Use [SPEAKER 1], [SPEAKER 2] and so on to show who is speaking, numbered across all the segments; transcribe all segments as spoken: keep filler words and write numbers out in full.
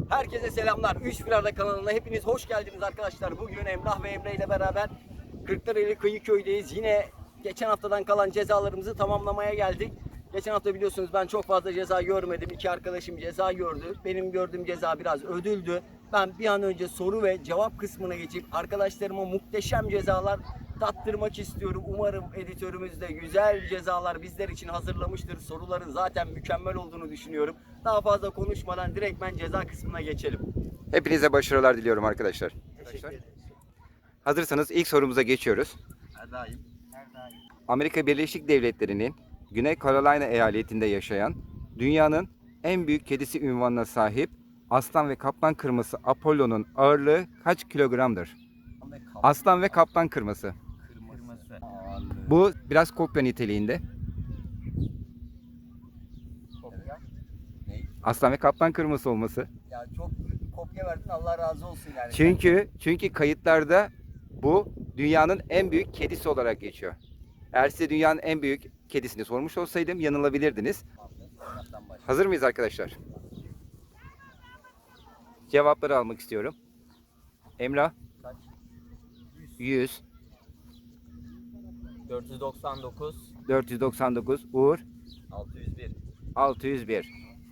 [SPEAKER 1] Herkese selamlar. üç bir Arda kanalına hepiniz hoş geldiniz arkadaşlar. Bugün Emrah ve Emre ile beraber Kırklareli Kıyıköy'deyiz. Yine geçen haftadan kalan cezalarımızı tamamlamaya geldik. Geçen hafta biliyorsunuz ben çok fazla ceza görmedim. İki arkadaşım ceza gördü. Benim gördüğüm ceza biraz ödüldü. Ben bir an önce soru ve cevap kısmına geçip arkadaşlarıma muhteşem cezalar tattırmak istiyorum. Umarım editörümüz de güzel cezalar bizler için hazırlamıştır. Soruların zaten mükemmel olduğunu düşünüyorum. Daha fazla konuşmadan direkt ben ceza kısmına geçelim.
[SPEAKER 2] Hepinize başarılar diliyorum arkadaşlar.
[SPEAKER 1] Teşekkür ederim.
[SPEAKER 2] Hazırsanız ilk sorumuza geçiyoruz.
[SPEAKER 1] Her daim. Her daim.
[SPEAKER 2] Amerika Birleşik Devletleri'nin Güney Carolina eyaletinde yaşayan dünyanın en büyük kedisi unvanına sahip aslan ve kaplan kırması Apollo'nun ağırlığı kaç kilogramdır? Aslan ve kaplan kırması.
[SPEAKER 1] Kırması.
[SPEAKER 2] Bu biraz kopya niteliğinde.
[SPEAKER 1] Kopya. Ne?
[SPEAKER 2] Aslan ve kaplan kırması olması.
[SPEAKER 1] Ya çok büyük bir kopya verdin, Allah razı olsun yani.
[SPEAKER 2] Çünkü çünkü kayıtlarda bu dünyanın en büyük kedisi olarak geçiyor. Eğer size dünyanın en büyük kedisini sormuş olsaydım yanılabilirdiniz. Hazır mıyız arkadaşlar? Cevapları almak istiyorum. Emrah
[SPEAKER 1] Kaç?
[SPEAKER 2] yüz,
[SPEAKER 1] dört yüz doksan dokuz,
[SPEAKER 2] dört yüz doksan dokuz, Uğur
[SPEAKER 1] altı yüz bir.
[SPEAKER 2] altı yüz bir.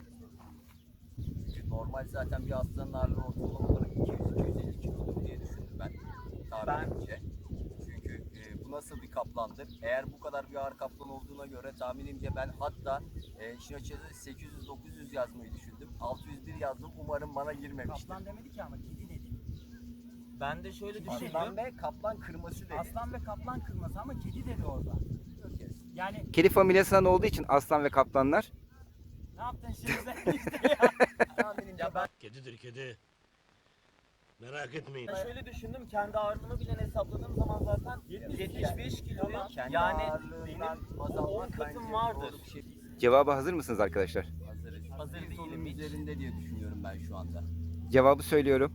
[SPEAKER 1] Normal zaten bir aslanın ağırlığı ortalama olarak iki yüz iki yüz elli kilodur diye düşündüm ben. Tahminimce. Çünkü e, bu nasıl bir kaplandır? Eğer bu kadar bir ağır kaplan olduğuna göre tahminimce ben hatta e, işin açıkçası sekiz yüz dokuz yüz yazmayı düşündüm. altı yüz bir yazdım. Umarım bana girmemiştir.
[SPEAKER 3] Kaplan demedi ki ama kedi dedi.
[SPEAKER 4] Ben de şöyle düşündüm.
[SPEAKER 1] Aslan ve kaplan kırması dedi.
[SPEAKER 3] Aslan ve kaplan kırması ama kedi dedi orada. Yani
[SPEAKER 2] Kedi familyasından olduğu için aslan ve kaplanlar.
[SPEAKER 3] ne yaptın şimdi sen işte ya?
[SPEAKER 1] Tahminimce ben
[SPEAKER 5] Kedidir kedi. Merak etmeyin.
[SPEAKER 4] Ben şöyle düşündüm, kendi ağırlığımı bile hesapladığım zaman zaten yetmiş beş kiloyum.
[SPEAKER 1] kendi
[SPEAKER 4] Yani
[SPEAKER 1] ağırlığından
[SPEAKER 4] benim
[SPEAKER 1] baz
[SPEAKER 4] on
[SPEAKER 1] almak
[SPEAKER 4] katım
[SPEAKER 1] bence
[SPEAKER 4] vardır.
[SPEAKER 1] doğru bir şey değil.
[SPEAKER 2] Cevaba hazır mısınız arkadaşlar?
[SPEAKER 1] Hazırız.
[SPEAKER 4] Hazır
[SPEAKER 1] Bir
[SPEAKER 4] değilim
[SPEAKER 1] sorunun
[SPEAKER 4] hiç.
[SPEAKER 1] üzerinde diye düşünüyorum ben şu anda.
[SPEAKER 2] Cevabı söylüyorum.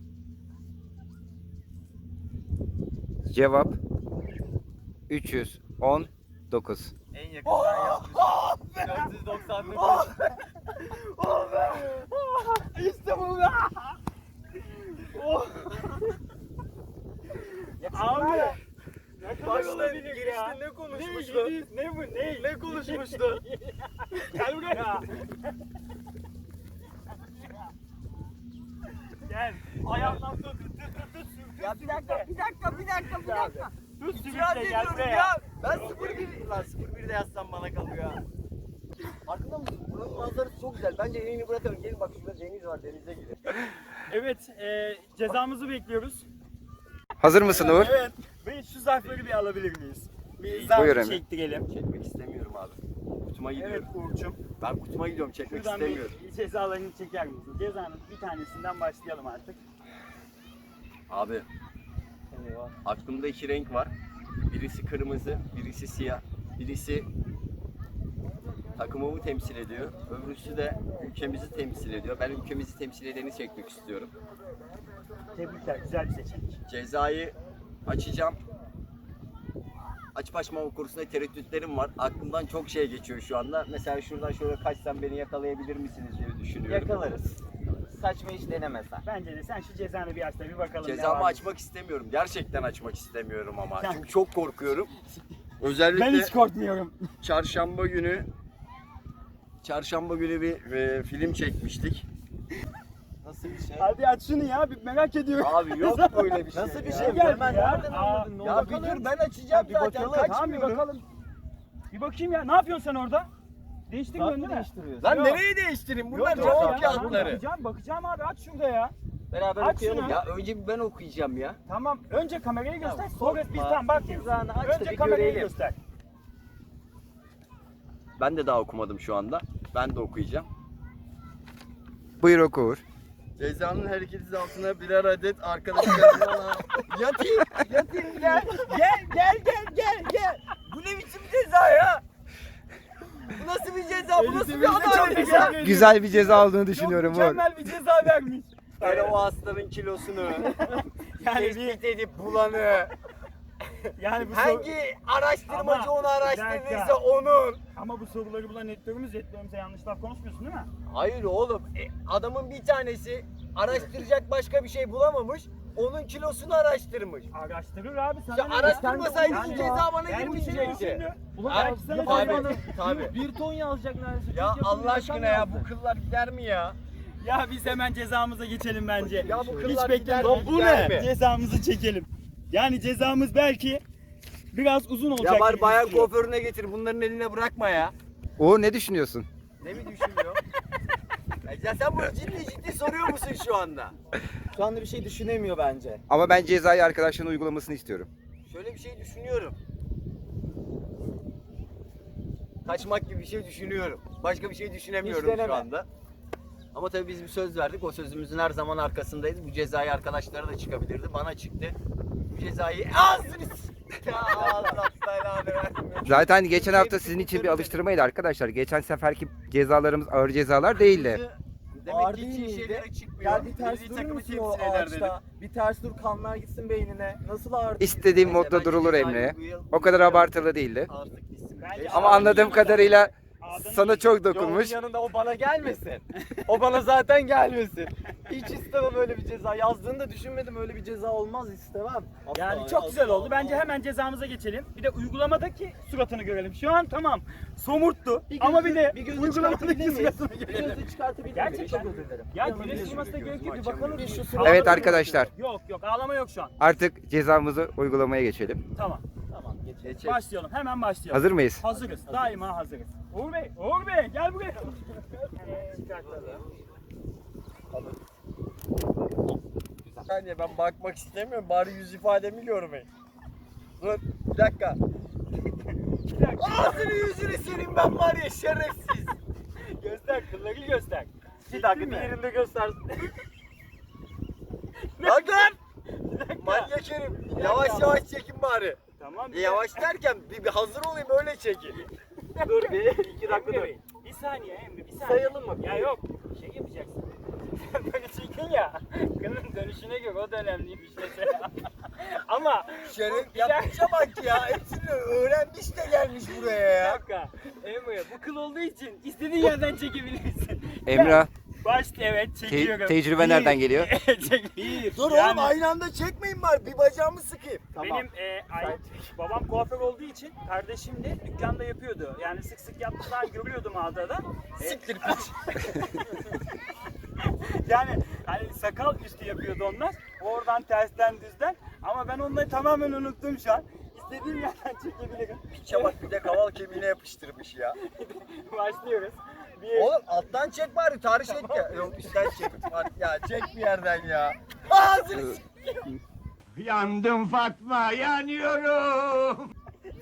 [SPEAKER 2] Cevap üç yüz on dokuz.
[SPEAKER 4] En yakından yapmışım. dört yüz doksan dokuz.
[SPEAKER 3] İşte bu be. Abi.
[SPEAKER 4] Başta girişte ne konuşmuştu?
[SPEAKER 3] Ne, ne bu ne?
[SPEAKER 4] Ne konuşmuştu?
[SPEAKER 3] Gel buraya. Gel. Ayağımdan tut. Tut tut tut. tut.
[SPEAKER 1] Ya bir dakika, bir dakika, bir dakika, bir dakika.
[SPEAKER 3] Tut
[SPEAKER 1] İtiraz
[SPEAKER 3] sürükle gel
[SPEAKER 1] ediyorum
[SPEAKER 3] buraya.
[SPEAKER 1] ya. Ben sıfır bir, lan sıfır birde yazsam bana kalıyor. Farkında mısın? Buranın manzarası çok güzel. Bence yayını bırakalım. Gelin bak şurada deniz var, denize gidelim.
[SPEAKER 3] Evet, e, cezamızı bekliyoruz.
[SPEAKER 2] Hazır mısın Uğur?
[SPEAKER 3] Evet. Ve şu zarfları bir alabilir miyiz? Bir
[SPEAKER 2] Buyur
[SPEAKER 3] zarf
[SPEAKER 2] Emre.
[SPEAKER 3] çektirelim.
[SPEAKER 1] Çekmek istemiyorum abi. Kutuma
[SPEAKER 3] Evet
[SPEAKER 1] gidiyorum.
[SPEAKER 3] Uğur'cum.
[SPEAKER 1] Ben kutuma gidiyorum, çekmek
[SPEAKER 3] Şuradan
[SPEAKER 1] istemiyorum.
[SPEAKER 3] bir cezalarını çeker misin? Cezanın bir tanesinden başlayalım artık.
[SPEAKER 1] Abi, aklımda iki renk var. Birisi kırmızı, birisi siyah. Birisi takımımı temsil ediyor. Öbürüsü de ülkemizi temsil ediyor. Ben ülkemizi temsil edeni çekmek istiyorum.
[SPEAKER 3] Tebrikler, güzel bir seçenek.
[SPEAKER 1] Cezayı açacağım. Açıp açmama konusunda tereddütlerim var. Aklımdan çok şey geçiyor şu anda. Mesela şuradan şöyle kaçsam beni yakalayabilir misiniz diye düşünüyorum.
[SPEAKER 4] Yakalarız. Saçma iş denemesen.
[SPEAKER 3] Bence de sen şu cezanı bir aç da bir bakalım. ne
[SPEAKER 1] Cezamı
[SPEAKER 3] var.
[SPEAKER 1] açmak istemiyorum. Gerçekten açmak istemiyorum ama.
[SPEAKER 3] Ya.
[SPEAKER 1] Çünkü çok korkuyorum. Özellikle
[SPEAKER 3] Ben hiç korkmuyorum.
[SPEAKER 1] çarşamba günü çarşamba günü bir e, film çekmiştik.
[SPEAKER 4] Nasıl bir şey?
[SPEAKER 3] Hadi aç şunu ya, bir merak ediyorum.
[SPEAKER 1] Abi yok böyle bir şey.
[SPEAKER 4] Nasıl bir
[SPEAKER 1] ya.
[SPEAKER 4] şey?
[SPEAKER 3] Geldi
[SPEAKER 4] Hemen
[SPEAKER 3] ya.
[SPEAKER 4] nereden
[SPEAKER 3] Aa,
[SPEAKER 4] anladın? Ne
[SPEAKER 1] Ya
[SPEAKER 4] oldu?
[SPEAKER 1] bir dur ben açacağım
[SPEAKER 3] bir
[SPEAKER 1] zaten.
[SPEAKER 3] bakalım, tamam bir
[SPEAKER 1] Kaçmıyorum.
[SPEAKER 3] bakalım. Bir bakayım ya, ne yapıyorsun sen orada? Değiştirmiyorsun değil mi?
[SPEAKER 4] değiştiriyorsun?
[SPEAKER 1] Lan
[SPEAKER 3] Yok.
[SPEAKER 1] nereye değiştireyim? Bunlar
[SPEAKER 3] Yok,
[SPEAKER 1] cevap
[SPEAKER 3] yok ya,
[SPEAKER 1] kağıtları.
[SPEAKER 3] Bakacağım, bakacağım abi, aç şurada ya.
[SPEAKER 4] Beraber
[SPEAKER 3] Aç
[SPEAKER 4] okuyalım.
[SPEAKER 3] şunu.
[SPEAKER 1] Ya önce bir ben okuyacağım ya.
[SPEAKER 3] Tamım, önce kamerayı göster,
[SPEAKER 4] Ya,
[SPEAKER 3] sonra biz
[SPEAKER 4] korkma.
[SPEAKER 3] tam bakıyoruz.
[SPEAKER 4] Cezanı aç da
[SPEAKER 3] Önce
[SPEAKER 4] bir
[SPEAKER 3] kamerayı
[SPEAKER 4] görelim.
[SPEAKER 3] göster.
[SPEAKER 1] Ben de daha okumadım şu anda. Ben de okuyacağım.
[SPEAKER 2] Buyur oku Uğur.
[SPEAKER 1] Cezanın her ikisi altına birer adet arkadaşlarına yatayım, yatayım gel, gel, gel, gel, gel, gel. Bu ne biçim ceza ya? Bu nasıl bir ceza? Bu nasıl bir adalet ya?
[SPEAKER 2] Güzel bir ceza olduğunu düşünüyorum
[SPEAKER 3] Çok
[SPEAKER 2] Uğur.
[SPEAKER 3] mükemmel bir ceza vermiş.
[SPEAKER 1] Böyle o hastanın kilosunu,
[SPEAKER 3] Yani bir,
[SPEAKER 1] tespit edip bulanı,
[SPEAKER 3] yani bu sor-
[SPEAKER 1] hangi araştırmacı
[SPEAKER 3] Ama,
[SPEAKER 1] onu
[SPEAKER 3] bir
[SPEAKER 1] araştırdıysa
[SPEAKER 3] dakika.
[SPEAKER 1] onun.
[SPEAKER 3] Ama bu soruları bulan editörümüz, editörümüze yanlış laf konuşmuyorsun değil mi?
[SPEAKER 1] Hayır oğlum. E, adamın bir tanesi araştıracak başka bir şey bulamamış. Onun kilosunu araştırmış.
[SPEAKER 3] Araştırır abi sana
[SPEAKER 1] Ya
[SPEAKER 3] ne?
[SPEAKER 1] araştırmasaydın
[SPEAKER 3] Yani-
[SPEAKER 1] ceza bana
[SPEAKER 3] Yani bir şey
[SPEAKER 1] girmeyecekti.
[SPEAKER 3] düşündü.
[SPEAKER 1] Ulan
[SPEAKER 3] Belki sana
[SPEAKER 1] tabii,
[SPEAKER 3] cezanı-
[SPEAKER 1] tabii.
[SPEAKER 4] Bir ton yazacak neredeyse.
[SPEAKER 1] Ya
[SPEAKER 4] Çok yakın
[SPEAKER 1] Allah
[SPEAKER 4] bir rakam
[SPEAKER 1] aşkına ya
[SPEAKER 4] yazdı.
[SPEAKER 1] bu kıllar gider mi ya?
[SPEAKER 3] Ya biz hemen cezamıza geçelim bence.
[SPEAKER 1] Ya bu
[SPEAKER 3] Hiç
[SPEAKER 1] kıllar gider
[SPEAKER 3] beklemeyin.
[SPEAKER 1] mi?
[SPEAKER 3] Bu
[SPEAKER 1] Gider
[SPEAKER 3] ne?
[SPEAKER 1] mi?
[SPEAKER 3] Cezamızı çekelim. Yani cezamız belki biraz uzun olacak.
[SPEAKER 1] Ya bari
[SPEAKER 3] gibi
[SPEAKER 1] bayan
[SPEAKER 3] gözüküyor.
[SPEAKER 1] kuaförüne getir. Bunların eline bırakma ya.
[SPEAKER 2] O ne düşünüyorsun?
[SPEAKER 1] Ne mi düşünüyor? ya, ya sen bunu ciddi ciddi soruyor musun şu anda?
[SPEAKER 4] Şu anda bir şey düşünemiyor bence.
[SPEAKER 2] Ama ben cezayı arkadaşların uygulamasını istiyorum.
[SPEAKER 1] Şöyle bir şey düşünüyorum. Kaçmak gibi bir şey düşünüyorum. Başka bir şey düşünemiyorum
[SPEAKER 4] Hiç
[SPEAKER 1] şu
[SPEAKER 4] deneme.
[SPEAKER 1] anda. Ama tabii biz bir söz verdik. O sözümüzün her zaman arkasındayız. Bu cezayı arkadaşlara da çıkabilirdi. Bana çıktı. Bu cezayı ağzını s- Ya Allah belanı versin.
[SPEAKER 2] Zaten geçen hafta sizin için bir alıştırmaydı arkadaşlar. Geçen seferki cezalarımız ağır cezalar değildi.
[SPEAKER 1] Demek
[SPEAKER 4] Ağır
[SPEAKER 1] ki
[SPEAKER 4] değil
[SPEAKER 1] hiç iyi
[SPEAKER 4] miydi?
[SPEAKER 1] şeylere çıkmıyor.
[SPEAKER 4] Gel bir ters
[SPEAKER 1] Milli
[SPEAKER 4] durur
[SPEAKER 1] takımı
[SPEAKER 4] musun o
[SPEAKER 1] temsil eder dedim.
[SPEAKER 4] ağaçta? Bir ters dur, kanlar gitsin beynine. Nasıl ağır değil?
[SPEAKER 2] İstediğim
[SPEAKER 1] Neyse,
[SPEAKER 2] modda
[SPEAKER 1] bence
[SPEAKER 2] durulur
[SPEAKER 1] cezayı
[SPEAKER 2] Emre.
[SPEAKER 1] bu yıl-
[SPEAKER 2] O kadar abartılı değildi.
[SPEAKER 1] Artık gitsin.
[SPEAKER 3] Bence
[SPEAKER 2] Ama
[SPEAKER 3] ağır
[SPEAKER 2] anladığım
[SPEAKER 3] değil.
[SPEAKER 2] kadarıyla
[SPEAKER 3] Ağzını-
[SPEAKER 2] sana çok
[SPEAKER 4] Yolun
[SPEAKER 2] dokunmuş.
[SPEAKER 4] yanında o bana gelmesin. O bana zaten gelmesin. Hiç istemem öyle bir ceza. Yazdığını da düşünmedim, öyle bir ceza olmaz, istemem.
[SPEAKER 3] Yani
[SPEAKER 4] Asla,
[SPEAKER 3] çok
[SPEAKER 4] asla.
[SPEAKER 3] güzel oldu. Bence hemen cezamıza geçelim. Bir de uygulamadaki suratını görelim. Şu an tamam. Somurttu.
[SPEAKER 4] Bir
[SPEAKER 3] Ama
[SPEAKER 4] gözü-
[SPEAKER 3] bir de
[SPEAKER 4] bir gözü
[SPEAKER 3] uygulamadaki
[SPEAKER 4] çıkartabilir miyiz?
[SPEAKER 3] suratını
[SPEAKER 4] Bir
[SPEAKER 3] görelim.
[SPEAKER 4] gözü çıkartabilir miyim?
[SPEAKER 3] Gerçekten.
[SPEAKER 4] Çok özür dilerim.
[SPEAKER 3] Ya
[SPEAKER 1] Yanına
[SPEAKER 3] güneş
[SPEAKER 1] gözümü
[SPEAKER 3] vurmasına gerek yok. Bir
[SPEAKER 1] gözümü
[SPEAKER 3] bakalım.
[SPEAKER 1] açamıyorum.
[SPEAKER 4] Şu
[SPEAKER 3] Ağlama
[SPEAKER 2] Evet
[SPEAKER 3] yok.
[SPEAKER 2] arkadaşlar.
[SPEAKER 3] Yok yok ağlama yok şu an.
[SPEAKER 2] Artık cezamızı uygulamaya geçelim.
[SPEAKER 3] Tamam.
[SPEAKER 4] Tamam, geç.
[SPEAKER 1] Geçelim.
[SPEAKER 3] Başlayalım. Hemen başlayalım.
[SPEAKER 2] Hazır mıyız?
[SPEAKER 3] Hazırız. Daima hazırız. Uğur Bey, Uğur Bey gel buraya.
[SPEAKER 1] Yani ben bakmak istemiyorum. Bari yüz ifademi görmeyin. Dur bir dakika.
[SPEAKER 3] Bir dakika.
[SPEAKER 1] Ağzını yüzünü senin ben var ya şerefsiz.
[SPEAKER 3] Göster, kılları göster.
[SPEAKER 4] Bir dakika,
[SPEAKER 3] Değil mi?
[SPEAKER 4] diğerinde göster.
[SPEAKER 1] Bak lan. Manyak herif. Yavaş yavaş çekin bari.
[SPEAKER 3] Tamam.
[SPEAKER 1] E, yavaş derken bir, bir hazır olayım öyle çekin.
[SPEAKER 4] Dur bir, iki dakika
[SPEAKER 3] Emre
[SPEAKER 4] dur.
[SPEAKER 3] Bey, bir saniye Emre, bir saniye.
[SPEAKER 4] Sayalım mı?
[SPEAKER 3] Ya yok, şey yapacaksın. Sen böyle çekin ya. Kılın dönüşüne göre o da önemliymiş mesela. Ama
[SPEAKER 1] Şeref
[SPEAKER 3] bir dakika.
[SPEAKER 1] yapmışa bak ya. Hepsini öğrenmiş de gelmiş buraya
[SPEAKER 3] Bir
[SPEAKER 1] ya.
[SPEAKER 3] dakika. Emre bu kıl olduğu için istediğin yerden çekebilirsin.
[SPEAKER 2] Emrah,
[SPEAKER 3] Başta evet
[SPEAKER 2] te-
[SPEAKER 3] çekiyorum.
[SPEAKER 2] tecrübe nereden geliyor?
[SPEAKER 3] Çek. Bir.
[SPEAKER 1] Dur
[SPEAKER 3] Yani
[SPEAKER 1] oğlum aynı anda çekmeyin bari. Bir bacağımı sıkayım.
[SPEAKER 3] Benim e, ay, babam kuaför olduğu için kardeşim de dükkanda yapıyordu. Yani sık sık yaptıklarını görüyordum mağazada. E,
[SPEAKER 1] Siktir piç.
[SPEAKER 3] yani hani sakal üstü yapıyordu onlar. Oradan tersten düzden. Ama ben onları tamamen unuttum şu an. İstediğim yerden çekebilirim.
[SPEAKER 1] Piçe bak bir de kaval kemiğine yapıştırmış ya.
[SPEAKER 3] Başlıyoruz. Bir,
[SPEAKER 1] Oğlum alttan çek bari tarih et ya. Yok üstten çek. Bak ya çek bir yerden ya. Ağzını s-
[SPEAKER 5] Yandım Fatma, yanıyorum.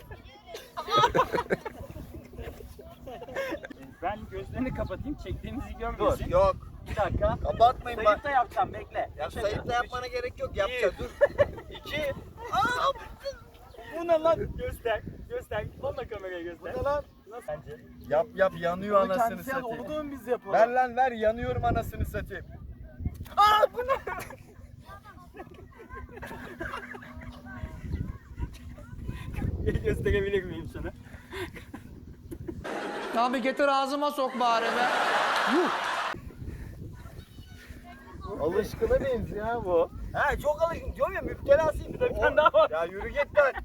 [SPEAKER 3] ben gözlerini kapatayım çektiğimizi
[SPEAKER 1] Dur
[SPEAKER 3] görmesin.
[SPEAKER 1] yok.
[SPEAKER 3] Bir dakika.
[SPEAKER 1] Kapatmayın bak.
[SPEAKER 3] Sayıp da yapacağım bekle.
[SPEAKER 1] Ya sayıp da yapmana gerek yok. Yapacağız dur.
[SPEAKER 3] İki. Aa, bu ne lan? Göster. Göster. Onunla kameraya göster.
[SPEAKER 1] Bu ne lan?
[SPEAKER 3] Nasıl sence?
[SPEAKER 1] Yap yap yanıyor
[SPEAKER 4] Onu
[SPEAKER 1] anasını
[SPEAKER 4] kendisi yaz,
[SPEAKER 1] satayım.
[SPEAKER 4] onu da mı biz yapalım?
[SPEAKER 1] Ver lan ver yanıyorum anasını satayım. Aa bu ne?
[SPEAKER 3] Gösterebilir miyim sana?
[SPEAKER 6] Abi getir ağzıma sok bari be.
[SPEAKER 1] Alışkına benziyor ha bu. He çok alışkın diyorum ya müptelasıyım. Bir
[SPEAKER 3] tane daha var.
[SPEAKER 1] Ya yürü git lan.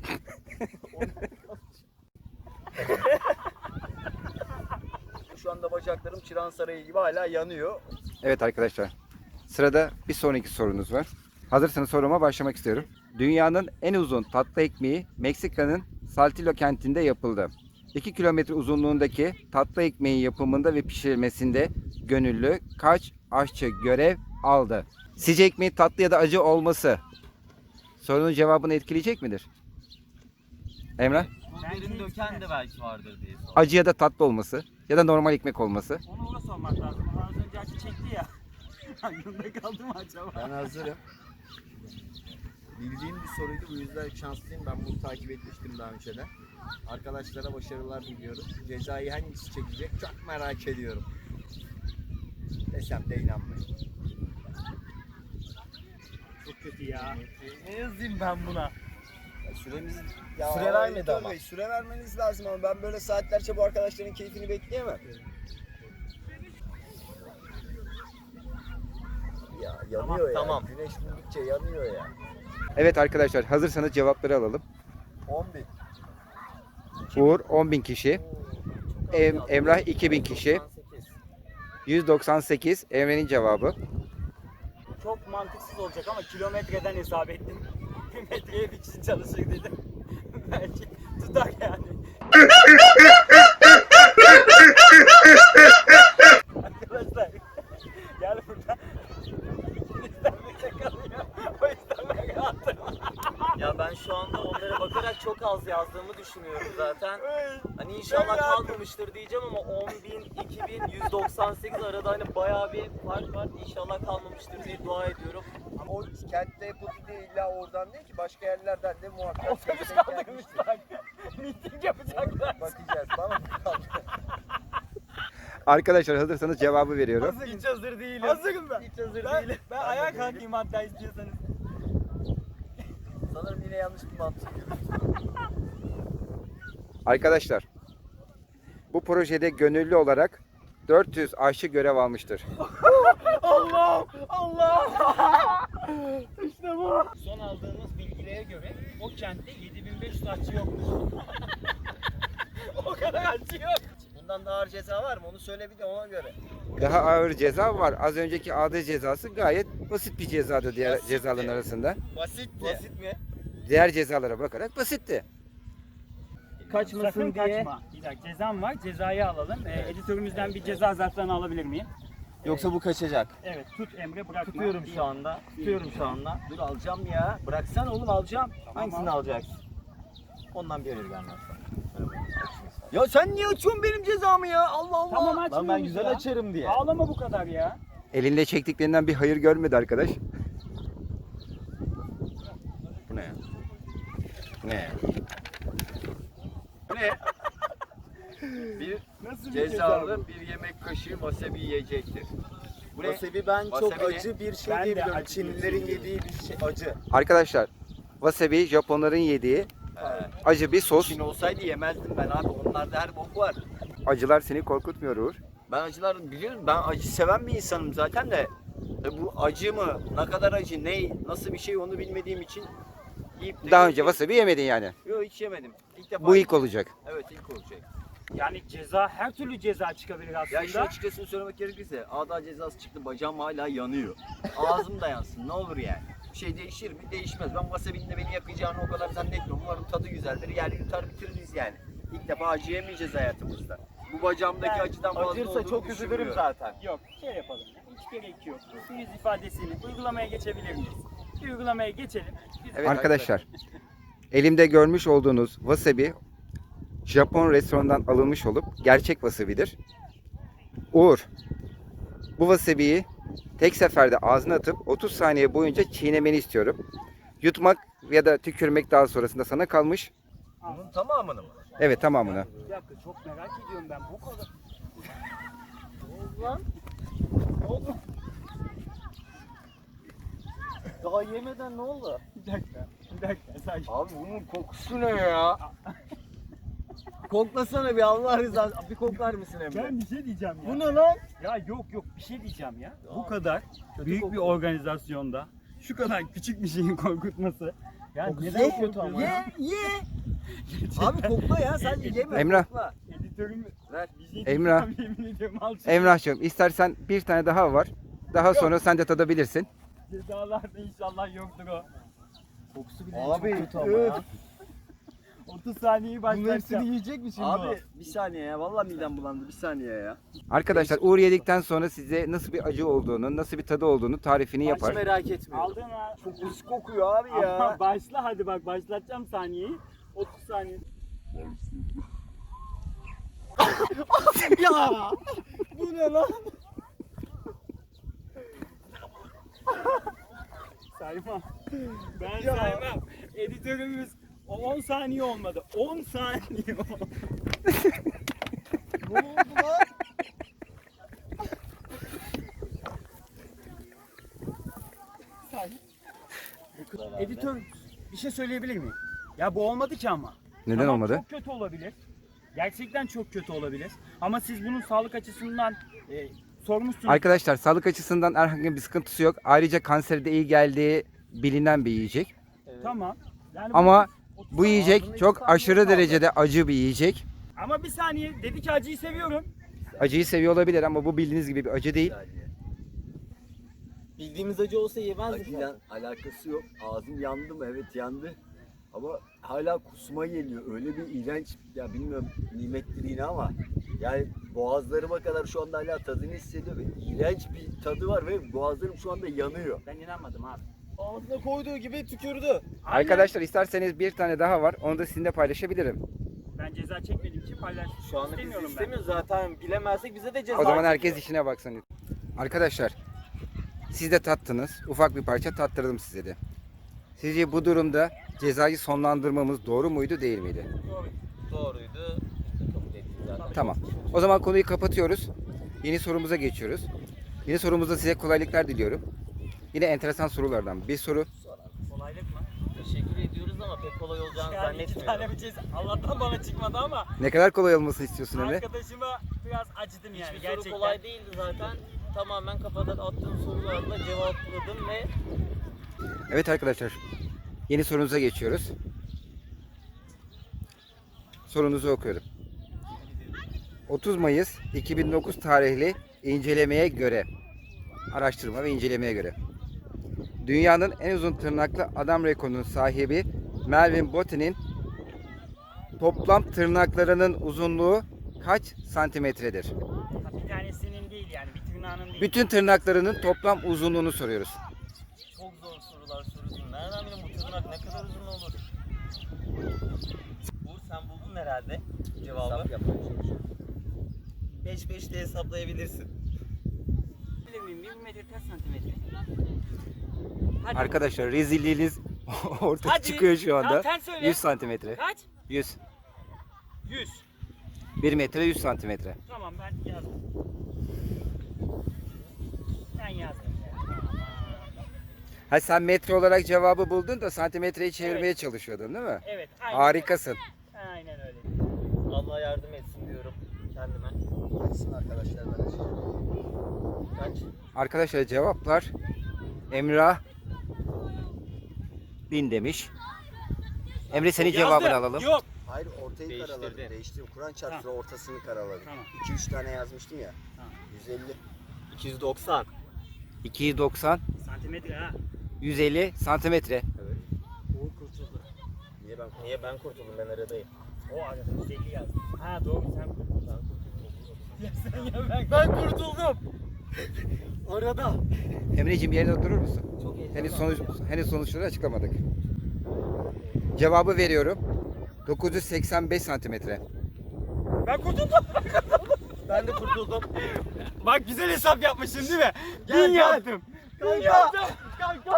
[SPEAKER 1] Şu anda bacaklarım Çırağan Sarayı gibi hala yanıyor.
[SPEAKER 2] Evet arkadaşlar. Sırada bir sonraki sorunuz var. Hazırsanız soruma başlamak istiyorum. Dünyanın en uzun tatlı ekmeği Meksika'nın Saltillo kentinde yapıldı. iki kilometre uzunluğundaki tatlı ekmeğin yapımında ve pişirilmesinde gönüllü kaç aşçı görev aldı? Sizce ekmeğin tatlı ya da acı olması sorunun cevabını etkileyecek midir? Emrah?
[SPEAKER 4] Derin döken de belki vardır diye sordum.
[SPEAKER 2] Acı ya da tatlı olması ya da normal ekmek olması.
[SPEAKER 3] Onu ona sormak lazım. Onu az önce acı çekti ya. Aklımda kaldı mı acaba?
[SPEAKER 1] Ben hazırım. Bildiğim bir soruydu bu yüzden şanslıyım. Ben bunu takip etmiştim daha önceden. Arkadaşlara başarılar diliyorum. Cezayı hangisi çekecek çok merak ediyorum. Desem de inanmayın.
[SPEAKER 3] Çok kötü ya.
[SPEAKER 4] Ne yazayım ben buna?
[SPEAKER 1] Süremiz ya
[SPEAKER 4] Süre vermedi
[SPEAKER 1] editör
[SPEAKER 4] ama.
[SPEAKER 1] Bey, süre vermeniz lazım ama ben böyle saatlerce bu arkadaşların keyfini bekleyemem. Ya yanıyor ya.
[SPEAKER 4] tamam.
[SPEAKER 1] Güneş vurdukça yanıyor ya.
[SPEAKER 2] Evet arkadaşlar, hazırsanız cevapları alalım.
[SPEAKER 1] on bin.
[SPEAKER 2] Uğur on bin kişi. Em, Emrah iki bin kişi. yüz doksan sekiz Emre'nin cevabı.
[SPEAKER 3] Çok mantıksız olacak ama kilometreden hesap ettim. Bir metreye bir kişi çalışır dedim. Belki tutar yani. Arkadaşlar gel buradan. İstenmekte kalıyor. O yüzden ben rahatım.
[SPEAKER 4] Ya ben şu anda onlara bakarak çok az yazdığımı düşünüyorum zaten.
[SPEAKER 3] Ay,
[SPEAKER 4] Hani
[SPEAKER 3] ben
[SPEAKER 4] inşallah
[SPEAKER 3] rahatım.
[SPEAKER 4] kalmamıştır diyeceğim ama on bin, iki bin, yüz doksan sekiz arada hani bayağı bir fark var. İnşallah kalmamıştır diye dua ediyorum.
[SPEAKER 1] Ama o kentte yapıldı değil illa oradan değil ki başka yerlerden de muhakkak.
[SPEAKER 3] Otobüs
[SPEAKER 1] denk
[SPEAKER 3] kaldırmışlar. Miting yapacaklar.
[SPEAKER 1] Bakacağız tamam mı?
[SPEAKER 2] Arkadaşlar hazırsanız cevabı veriyorum.
[SPEAKER 4] Hiç hazır değilim.
[SPEAKER 3] Hazırım ben.
[SPEAKER 4] Hiç hazır
[SPEAKER 3] Ben,
[SPEAKER 4] değilim.
[SPEAKER 3] ben ayağa kalkayım hatta istiyorsanız.
[SPEAKER 1] Sanırım yine yanlış bir mantık yürüdüm.
[SPEAKER 2] Arkadaşlar, bu projede gönüllü olarak dört yüz aşçı görev almıştır.
[SPEAKER 3] Allah! Allah! İşte bu.
[SPEAKER 7] Son aldığımız bilgilere göre o kentte yedi bin beş yüz aşçı yokmuş.
[SPEAKER 3] O kadar acı yok.
[SPEAKER 1] Bundan daha ağır ceza var mı? Onu söyle bir de ona göre.
[SPEAKER 2] Daha ağır ceza var. Az önceki aldığı cezası gayet basit bir cezadı diğer cezaların arasında.
[SPEAKER 1] Basitti.
[SPEAKER 4] Basit mi?
[SPEAKER 2] Diğer cezalara bakarak basitti.
[SPEAKER 3] Kaçmasın
[SPEAKER 7] Sakın
[SPEAKER 3] diye.
[SPEAKER 7] kaçma. Bir dakika cezam var. Cezayı alalım. Ee, editörümüzden bir ceza zarflarını alabilir miyim?
[SPEAKER 4] Yoksa bu kaçacak.
[SPEAKER 7] Evet tut Emre bırakma.
[SPEAKER 4] Tutuyorum şu anda. Tutuyorum şu anda.
[SPEAKER 1] Dur alacağım ya. Bıraksan oğlum alacağım.
[SPEAKER 4] Hangisini alacaksın? Ondan bir ödül gelmez.
[SPEAKER 1] Ya sen niye açıyorsun benim cezamı ya? Allah Allah.
[SPEAKER 7] Tamam
[SPEAKER 4] Lan
[SPEAKER 7] açmıyoruz
[SPEAKER 4] ben güzel
[SPEAKER 7] ya.
[SPEAKER 4] açarım diye.
[SPEAKER 7] Ağlama bu kadar ya.
[SPEAKER 2] Elinde çektiklerinden bir hayır görmedi arkadaş.
[SPEAKER 1] Bu ne ya? Bu ne ya? Bu ne? Bir
[SPEAKER 3] Nasıl bir
[SPEAKER 1] cezalı bir yemek kaşığı wasabi yiyecektir. Bu ne?
[SPEAKER 4] Wasabi ben çok
[SPEAKER 1] Wasabi ne?
[SPEAKER 4] acı bir şey
[SPEAKER 3] Ben de
[SPEAKER 4] diye biliyorum.
[SPEAKER 3] acı bir
[SPEAKER 4] Çinlilerin
[SPEAKER 3] şey
[SPEAKER 4] yediği bir şey acı.
[SPEAKER 2] Arkadaşlar, wasabi Japonların yediği acı bir sos.
[SPEAKER 1] Çin olsaydı yemezdim ben abi. Onlarda her bok var.
[SPEAKER 2] Acılar seni korkutmuyor Uğur.
[SPEAKER 1] Ben acılar biliyorum. Ben acı seven bir insanım zaten de. E bu acı mı? Ne kadar acı? Ne? Nasıl bir şey onu bilmediğim için yiyip de
[SPEAKER 2] Daha önce wasabi yemedin yani.
[SPEAKER 1] Yok hiç yemedim. İlk defa.
[SPEAKER 2] Bu ilk olacak.
[SPEAKER 1] Evet ilk olacak.
[SPEAKER 7] Yani ceza her türlü ceza çıkabilir aslında.
[SPEAKER 1] Ya işin açıkçası söylemek gerekirse ağda cezası çıktı bacağım hala yanıyor. Ağzım da yansın ne olur yani. Bir şey değişir mi? Değişmez. Ben wasabi'nin de beni yakacağını o kadar zannetmiyorum. Umarım tadı güzeldir. Yer yutar bitiririz yani. İlk defa acı yemeyeceğiz hayatımızda. Bu bacağımdaki
[SPEAKER 3] Yani
[SPEAKER 1] acıdan fazla
[SPEAKER 4] Acırsa
[SPEAKER 1] olduğunu
[SPEAKER 4] çok üzülürüm
[SPEAKER 1] düşünmüyorum.
[SPEAKER 4] zaten.
[SPEAKER 7] Yok şey yapalım ya. Hiç gerek yok. Bu yüz ifadesini uygulamaya geçebilir miyiz? Bir uygulamaya geçelim. Biz-
[SPEAKER 2] Evet arkadaşlar, elimde görmüş olduğunuz wasabi Japon restoranından alınmış olup gerçek wasabi'dir. Uğur, bu wasabi'yi tek seferde ağzına atıp otuz saniye boyunca çiğnemeni istiyorum. Yutmak ya da tükürmek daha sonrasında sana kalmış.
[SPEAKER 1] Bunun tamamını mı?
[SPEAKER 2] Evet, tamamını.
[SPEAKER 7] Bir dakika çok merak ediyorum ben bu kadar.
[SPEAKER 4] Daha yemeden ne oldu?
[SPEAKER 7] Bir dakika. Bir dakika. Sakin.
[SPEAKER 1] Abi bunun kokusu ne ya? Koklasana bir Allah rızası. Bir koklar mısın Emre?
[SPEAKER 7] Ben bir şey diyeceğim ya.
[SPEAKER 3] Bu ne lan?
[SPEAKER 7] Ya yok yok bir şey diyeceğim ya. Bu kadar büyük bir organizasyonda şu kadar küçük bir şeyin korkutması. Ya neden
[SPEAKER 1] Ye,
[SPEAKER 7] kötü ama
[SPEAKER 1] ye,
[SPEAKER 7] ya?
[SPEAKER 1] ye. Abi kokla ya sen yeme.
[SPEAKER 2] Emrah.
[SPEAKER 1] Kokla.
[SPEAKER 7] Editörüm
[SPEAKER 1] Ver.
[SPEAKER 7] bir şey
[SPEAKER 2] Emrah.
[SPEAKER 7] diyeceğim, yemin ediyorum al şunu.
[SPEAKER 2] Emrah'cığım, istersen bir tane daha var. Daha sonra sen de tadabilirsin.
[SPEAKER 7] Cezalarda inşallah yoktur o.
[SPEAKER 4] Kokusu bile
[SPEAKER 1] Abi,
[SPEAKER 4] çok kötü ama
[SPEAKER 1] üf.
[SPEAKER 4] ya.
[SPEAKER 7] otuz saniyeyi
[SPEAKER 4] Bunun hepsini
[SPEAKER 7] başlatacağım.
[SPEAKER 4] yiyecek mi şimdi
[SPEAKER 1] Abi bir saniye ya. Vallahi midem bulandı. Bir saniye ya.
[SPEAKER 2] Arkadaşlar, Uğur yedikten sonra size nasıl bir acı olduğunu, nasıl bir tadı olduğunu tarifini
[SPEAKER 4] Hiç
[SPEAKER 2] yapar.
[SPEAKER 4] merak etmiyorum.
[SPEAKER 7] Aldın ha.
[SPEAKER 1] Çok pis kokuyor abi ya.
[SPEAKER 7] Ama başla hadi bak başlatacağım saniyeyi. otuz saniye.
[SPEAKER 3] Ya! Bu ne lan?
[SPEAKER 7] Saymam. Ben saymam. Editörümüz o on saniye olmadı. on saniye oldu.
[SPEAKER 1] Ne oldu lan?
[SPEAKER 7] Editör bir şey söyleyebilir miyim? Ya bu olmadı ki ama.
[SPEAKER 2] Neden
[SPEAKER 7] Tamam,
[SPEAKER 2] olmadı?
[SPEAKER 7] Çok kötü olabilir. Gerçekten çok kötü olabilir. Ama siz bunun sağlık açısından e, sormuşsunuz.
[SPEAKER 2] Arkadaşlar sağlık açısından herhangi bir sıkıntısı yok. Ayrıca kansere de iyi geldiği bilinen bir yiyecek.
[SPEAKER 7] Tamam. Yani
[SPEAKER 2] Ama
[SPEAKER 7] bu,
[SPEAKER 2] bu yiyecek çok aşırı derecede acı bir yiyecek.
[SPEAKER 7] Ama bir saniye, dedi ki acıyı seviyorum.
[SPEAKER 2] Acıyı seviyor olabilir ama bu bildiğiniz gibi bir acı değil.
[SPEAKER 4] Bildiğimiz acı olsa yemezdik.
[SPEAKER 1] Acıyla alakası yok. Ağzım yandı mı? Evet yandı. Ama hala kusma geliyor. Öyle bir iğrenç, ya bilmiyorum nimettir yine ama yani boğazlarıma kadar şu anda hala tadını hissediyorum. Ve iğrenç bir tadı var ve boğazlarım şu anda yanıyor.
[SPEAKER 7] Ben inanmadım abi.
[SPEAKER 4] Ağzına koyduğu gibi tükürdü.
[SPEAKER 2] Arkadaşlar isterseniz bir tane daha var. Onu da sizinle paylaşabilirim.
[SPEAKER 7] Ben ceza çekmediğim için paylaşmak
[SPEAKER 4] Şu anda biz
[SPEAKER 7] istemiyorum ben.
[SPEAKER 4] istemiyoruz zaten. Bilemezsek bize de ceza.
[SPEAKER 2] O zaman herkes işine baksın. Arkadaşlar siz de tattınız. Ufak bir parça tattırdım size de. Sizce bu durumda cezayı sonlandırmamız doğru muydu değil miydi?
[SPEAKER 4] Doğruydu. Biz de kabul ettik zaten.
[SPEAKER 2] Tamam. O zaman konuyu kapatıyoruz. Yeni sorumuza geçiyoruz. Yeni sorumuzda size kolaylıklar diliyorum. Yine enteresan sorulardan bir soru.
[SPEAKER 7] Kolaylık mı?
[SPEAKER 4] Teşekkür ediyoruz ama pek kolay olacağını
[SPEAKER 7] Yani iki tane
[SPEAKER 4] zannetmiyorum.
[SPEAKER 7] bir ceza. Allah'tan bana çıkmadı ama
[SPEAKER 2] Ne kadar kolay olmasını istiyorsun Emre?
[SPEAKER 7] arkadaşıma biraz acıdım yani
[SPEAKER 4] Hiçbir
[SPEAKER 7] gerçekten.
[SPEAKER 4] soru kolay değildi zaten. Tamamen kafadan attığım sorularla cevapladım ve
[SPEAKER 2] Evet arkadaşlar. Yeni sorunuza geçiyoruz. Sorunuzu okuyorum. otuz Mayıs iki bin dokuz tarihli incelemeye göre, araştırma ve incelemeye göre dünyanın en uzun tırnaklı adam rekorunun sahibi Melvin Bottin'in toplam tırnaklarının uzunluğu kaç santimetredir?
[SPEAKER 7] Ha, bir tanesinin değil yani bir tırnağının değil.
[SPEAKER 2] Bütün tırnaklarının toplam uzunluğunu soruyoruz.
[SPEAKER 4] çok zor sorular soruyorsun. Nereden bileyim bu tırnak ne kadar uzun olur? Uğur sen buldun herhalde cevabı. beş beş de hesaplayabilirsin.
[SPEAKER 7] Bilir miyim? bir metre kaç santimetre? Hadi.
[SPEAKER 2] Arkadaşlar rezilliğiniz ortaya
[SPEAKER 7] Hadi.
[SPEAKER 2] çıkıyor şu anda.
[SPEAKER 7] Tamam, sen söyle.
[SPEAKER 2] yüz santimetre.
[SPEAKER 7] Kaç?
[SPEAKER 2] yüz.
[SPEAKER 7] yüz.
[SPEAKER 2] bir metre yüz santimetre.
[SPEAKER 7] Tamam ben yazdım. Ben yazdım.
[SPEAKER 2] Ha sen metre olarak cevabı buldun da santimetreyi çevirmeye
[SPEAKER 7] Evet.
[SPEAKER 2] çalışıyordun değil mi?
[SPEAKER 7] Evet. Aynen.
[SPEAKER 2] Harikasın.
[SPEAKER 7] Aynen öyle.
[SPEAKER 4] Allah yardım etsin diyorum kendime.
[SPEAKER 1] Arkadaşlar ben
[SPEAKER 4] Kaç?
[SPEAKER 2] Arkadaşlar cevaplar Emrah bin demiş. Emre senin cevabını
[SPEAKER 7] Yazdım.
[SPEAKER 2] alalım.
[SPEAKER 7] Yok.
[SPEAKER 1] Hayır ortayı
[SPEAKER 4] Değiştirdin.
[SPEAKER 1] karaladım. Değiştirdim. Kur'an çarptı ortasını karaladım.
[SPEAKER 7] Tamam.
[SPEAKER 1] iki üç tane yazmıştım ya.
[SPEAKER 7] Tamam.
[SPEAKER 1] yüz elli.
[SPEAKER 4] iki yüz doksan.
[SPEAKER 2] iki yüz doksan,
[SPEAKER 7] Santimetre ha.
[SPEAKER 2] yüz elli santimetre.
[SPEAKER 7] Uğur kurtuldu.
[SPEAKER 1] Niye ben
[SPEAKER 4] Niye ben kurtuldum ben aradayım.
[SPEAKER 7] O arada yüz elli yazdı. Ha doğru sen kurtuldun.
[SPEAKER 4] Ben kurtuldum.
[SPEAKER 7] Ya sen ya ben. Ben kurtuldum.
[SPEAKER 4] Arada.
[SPEAKER 2] Emreciğim yerine durur musun?
[SPEAKER 4] Çok iyi.
[SPEAKER 2] Henüz sonuç henüz sonuçları açıklamadık. Cevabı veriyorum. dokuz yüz seksen beş santimetre.
[SPEAKER 7] Ben kurtuldum.
[SPEAKER 4] Ben de kurtuldum.
[SPEAKER 7] Bak güzel hesap yapmışsın değil mi?
[SPEAKER 4] Gel,
[SPEAKER 7] Bin
[SPEAKER 4] gel.
[SPEAKER 7] yaptım. Bin yaptım. Kanka.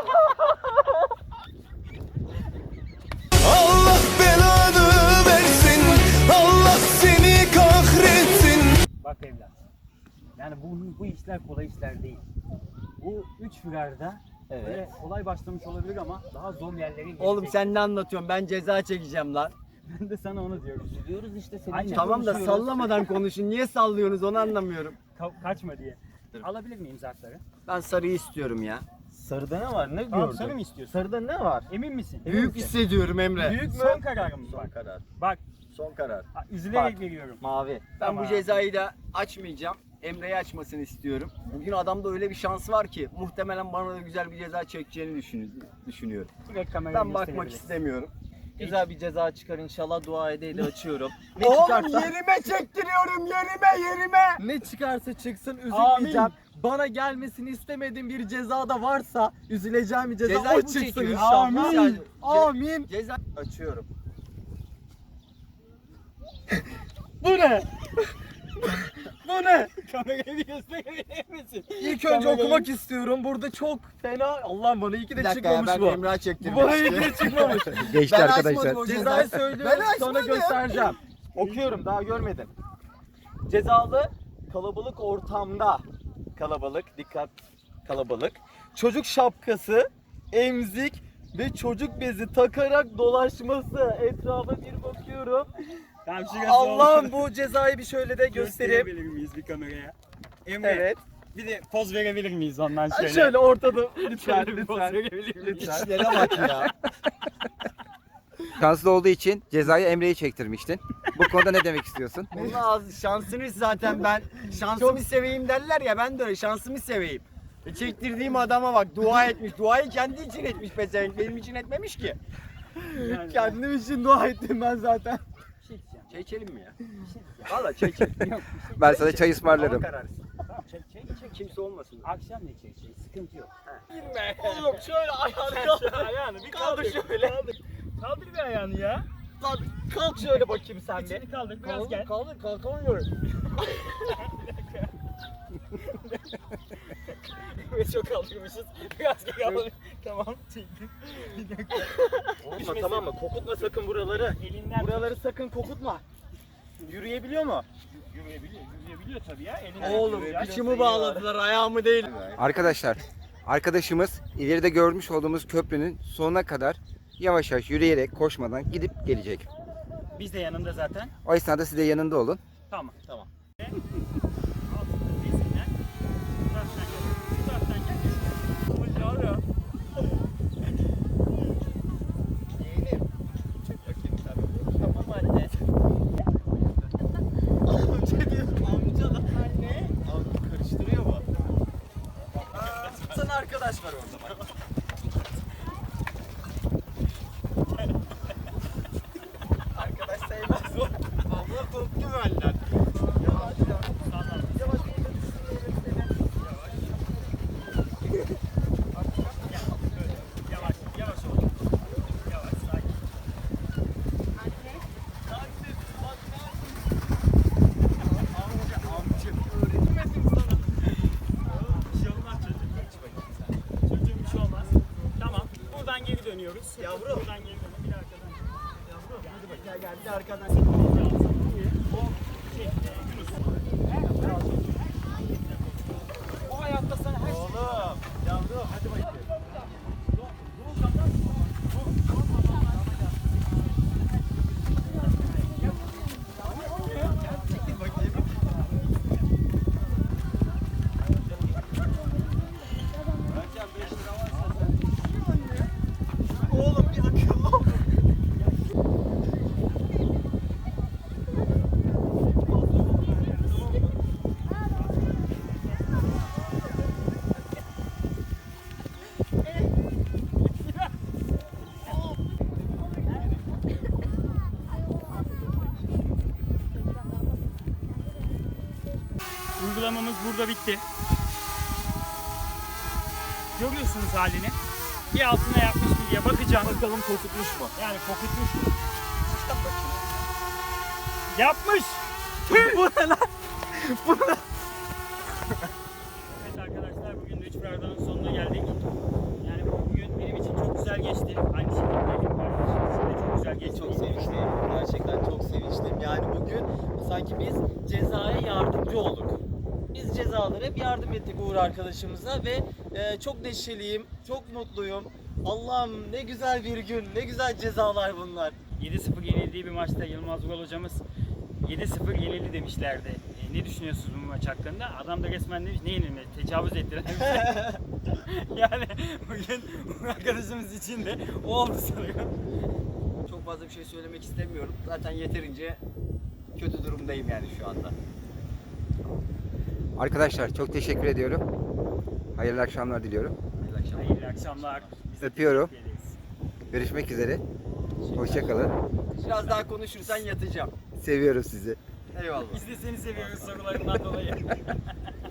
[SPEAKER 8] Allah belanı versin, Allah seni kahretsin.
[SPEAKER 7] Bak evlat. Yani bu, bu işler kolay işler değil. Bu üç firarda
[SPEAKER 4] Evet.
[SPEAKER 7] böyle kolay başlamış olabilir ama daha zor yerlerin gelecek.
[SPEAKER 1] Oğlum sen ne anlatıyorsun? Ben ceza çekeceğim lan.
[SPEAKER 7] Ben de sana onu diyorum.
[SPEAKER 4] Üzülüyoruz işte senin
[SPEAKER 7] Aynen.
[SPEAKER 4] için
[SPEAKER 1] Tamam da
[SPEAKER 4] konuşuyoruz.
[SPEAKER 1] sallamadan konuşun. Niye sallıyorsunuz onu anlamıyorum.
[SPEAKER 7] Ka- kaçma diye. Alabilir miyim zarfları?
[SPEAKER 1] Ben sarıyı istiyorum ya.
[SPEAKER 4] Sarıda ne var? Ne
[SPEAKER 7] Tamam,
[SPEAKER 4] gördün?
[SPEAKER 7] sarı mı istiyorsun?
[SPEAKER 4] Sarıda ne var?
[SPEAKER 7] Emin misin?
[SPEAKER 1] Büyük hissediyorum Emre.
[SPEAKER 7] Büyük mü? Son kararım mı? Bak.
[SPEAKER 1] karar.
[SPEAKER 7] Bak.
[SPEAKER 1] Son karar.
[SPEAKER 7] ha, Üzülerek
[SPEAKER 4] Bak.
[SPEAKER 7] veriyorum.
[SPEAKER 4] Mavi.
[SPEAKER 1] Ben
[SPEAKER 7] Tamam.
[SPEAKER 1] bu cezayı da açmayacağım. Emre'yi açmasını istiyorum. Bugün adamda öyle bir şansı var ki muhtemelen bana da güzel bir ceza çekeceğini düşün- düşünüyorum.
[SPEAKER 7] Direkt kameraya
[SPEAKER 1] Ben bakmak
[SPEAKER 7] gösterebiliriz.
[SPEAKER 1] istemiyorum.
[SPEAKER 4] Güzel bir ceza çıkar inşallah dua edeyle açıyorum. Ne
[SPEAKER 1] Oğlum
[SPEAKER 4] çıkarsa
[SPEAKER 1] yerime çektiriyorum yerime yerime.
[SPEAKER 4] ne çıkarsa çıksın üzülmeyeceğim.
[SPEAKER 7] Amin.
[SPEAKER 4] Bana gelmesini istemediğim bir ceza da varsa üzüleceğim bir ceza
[SPEAKER 1] Cezayı
[SPEAKER 4] o
[SPEAKER 1] bu
[SPEAKER 4] çıksın
[SPEAKER 1] çekiyor.
[SPEAKER 4] inşallah.
[SPEAKER 1] Amin.
[SPEAKER 4] Amin.
[SPEAKER 1] Ceza açıyorum.
[SPEAKER 4] Bu ne? Bu ne?
[SPEAKER 7] Kamerayı bir gösterebilir misin?
[SPEAKER 4] İlk önce
[SPEAKER 7] Kamerayı-
[SPEAKER 4] okumak istiyorum. Burada çok fena. Allah'ım bana iyi ki de
[SPEAKER 1] Bir dakika ya
[SPEAKER 4] çıkmamış
[SPEAKER 1] ben
[SPEAKER 4] bu.
[SPEAKER 1] Emrah'a
[SPEAKER 4] Bu
[SPEAKER 1] çektirmek
[SPEAKER 4] bana iyi ki
[SPEAKER 1] istiyorum.
[SPEAKER 4] de çıkmamış.
[SPEAKER 2] Geçti
[SPEAKER 1] Ben
[SPEAKER 2] arkadaşlar.
[SPEAKER 1] açmadım o
[SPEAKER 4] Cezayı
[SPEAKER 1] cezayı.
[SPEAKER 4] söylüyorum
[SPEAKER 1] Ben
[SPEAKER 4] sonra
[SPEAKER 1] açmadım.
[SPEAKER 4] göstereceğim. Okuyorum daha görmedim. Cezalı kalabalık ortamda kalabalık dikkat kalabalık çocuk şapkası emzik ve çocuk bezi takarak dolaşması. Etrafa bir bakıyorum.
[SPEAKER 3] Tamam şurası
[SPEAKER 4] Allah'ım
[SPEAKER 3] oldu.
[SPEAKER 4] bu cezayı bir şöyle de göstereyim.
[SPEAKER 3] Gösterebilir miyiz bir kameraya? Emre,
[SPEAKER 4] Evet.
[SPEAKER 3] bir de poz verebilir miyiz ondan şöyle?
[SPEAKER 4] Şöyle ortada lütfen
[SPEAKER 3] Şöyle bir poz
[SPEAKER 4] lütfen.
[SPEAKER 3] verebilir miyiz?
[SPEAKER 1] İşlere bak ya.
[SPEAKER 2] Şanslı olduğu için cezayı Emre'ye çektirmiştin. Bu konuda ne demek istiyorsun?
[SPEAKER 1] Onun ağzı şansını zaten ben şansımı seveyim derler ya, ben de öyle şansımı seveyim. E çektirdiğim adama bak, dua etmiş. Duayı kendi için etmiş pezevenk, benim için etmemiş ki.
[SPEAKER 3] Yani-
[SPEAKER 4] Kendim için dua ettim ben zaten.
[SPEAKER 1] Çay içelim mi ya? Valla çay içelim. Yok,
[SPEAKER 2] Ben sana çay ısmarlarım.
[SPEAKER 1] hava kararsın. Tamam çay, çay, çay. Kimse olmasın.
[SPEAKER 3] Akşam ne çekeceğiz? Sıkıntı yok.
[SPEAKER 4] Oğlum şöyle ayağını kaldır.
[SPEAKER 3] ayağını bir
[SPEAKER 4] Kaldır
[SPEAKER 3] kaldır.
[SPEAKER 4] şöyle.
[SPEAKER 3] Kaldır. Kaldır bir ayağını ya.
[SPEAKER 4] Lan kalk şöyle bakayım sen bir.
[SPEAKER 3] İçini kaldır biraz gel.
[SPEAKER 4] Kaldır kalkamıyorum.
[SPEAKER 3] Ve çok kaldırmışız. Biraz geri alalım. Tamam çektim. Bir dakika.
[SPEAKER 4] Olma tamam mı? Kokutma sakın buraları.
[SPEAKER 3] Elinden
[SPEAKER 4] Buraları sakın kokutma. Yürüyebiliyor mu?
[SPEAKER 3] yürüyebiliyor. Yürüyebiliyor tabii ya. Elinden
[SPEAKER 1] Oğlum
[SPEAKER 3] tutacağız.
[SPEAKER 1] kıçımı bağladılar, ayağımı değil.
[SPEAKER 2] Arkadaşlar, arkadaşımız ileride görmüş olduğumuz köprünün sonuna kadar yavaş yavaş yürüyerek, koşmadan gidip gelecek.
[SPEAKER 3] Biz de yanında zaten.
[SPEAKER 2] O esnada siz de yanında olun.
[SPEAKER 3] Tamam. Tamam. Altında bezinden. Bu taraftan gel. Bu taraftan gel. Yavrum.
[SPEAKER 4] Tamam anne. Amca diyorum amca da anne. Abi karıştırıyor mu? Sana arkadaş var orada bak. Arkadaş sevmez o. Abla korktu benden. Yavaş yavaş. Yavaş
[SPEAKER 3] Yavaş. Yavaş ol. Yavaş. Sakin. Bir şey olmaz çocuğum. Hiç bakayım sen. Çocuğum bir şey olmaz. Tamam. Buradan geri dönüyoruz.
[SPEAKER 4] Yavrum.
[SPEAKER 3] Buradan geri dönüyoruz. Bir arkadan.
[SPEAKER 4] Yavrum hadi bak gel gel bir arkadan. O hayatta sana her şey. Oğlum yavrum hadi bakayım. Oğlum bir akıllı ol.
[SPEAKER 3] Uygulamamız burada bitti. Görüyorsunuz halini. Bir altına yapmış mı diye bakacağım.
[SPEAKER 4] Bakalım kokutmuş mu?
[SPEAKER 3] Yani kokutmuş mu? Yapmış.
[SPEAKER 4] Bu ne lan?
[SPEAKER 3] Evet arkadaşlar, bugün de üç Bardağın sonuna geldik. Yani bugün benim için çok güzel geçti. Aynı şekilde benim arkadaşım için de çok güzel geçti.
[SPEAKER 4] Çok sevinçliyim. Gerçekten çok sevinçliyim. Yani bugün sanki biz cezaya yardımcı olduk. Biz cezalara hep yardım ettik Uğur arkadaşımıza ve e, çok neşeliyim, çok mutluyum. Allah'ım ne güzel bir gün, ne güzel cezalar bunlar.
[SPEAKER 3] yedi sıfır yenildiği bir maçta Yılmaz Vural hocamız yedi sıfır yenildi demişlerdi. E, ne düşünüyorsunuz bu maç hakkında? Adam da resmen demiş, ne yenilmedi? Tecavüz ettiler. Yani bugün bu arkadaşımız için de o oldu sanırım.
[SPEAKER 1] Çok fazla bir şey söylemek istemiyorum. Zaten yeterince kötü durumdayım yani şu anda.
[SPEAKER 2] Arkadaşlar çok teşekkür ediyorum. Hayırlı akşamlar diliyorum.
[SPEAKER 1] Hayırlı akşamlar.
[SPEAKER 3] Hayırlı akşamlar. Biz de
[SPEAKER 2] Öpüyorum.
[SPEAKER 3] teşekkür ederiz.
[SPEAKER 2] Görüşmek üzere. Hoşça kalın.
[SPEAKER 1] Biraz daha konuşursan yatacağım.
[SPEAKER 2] Seviyorum sizi.
[SPEAKER 1] Eyvallah.
[SPEAKER 3] Biz de seni seviyoruz sorularından dolayı.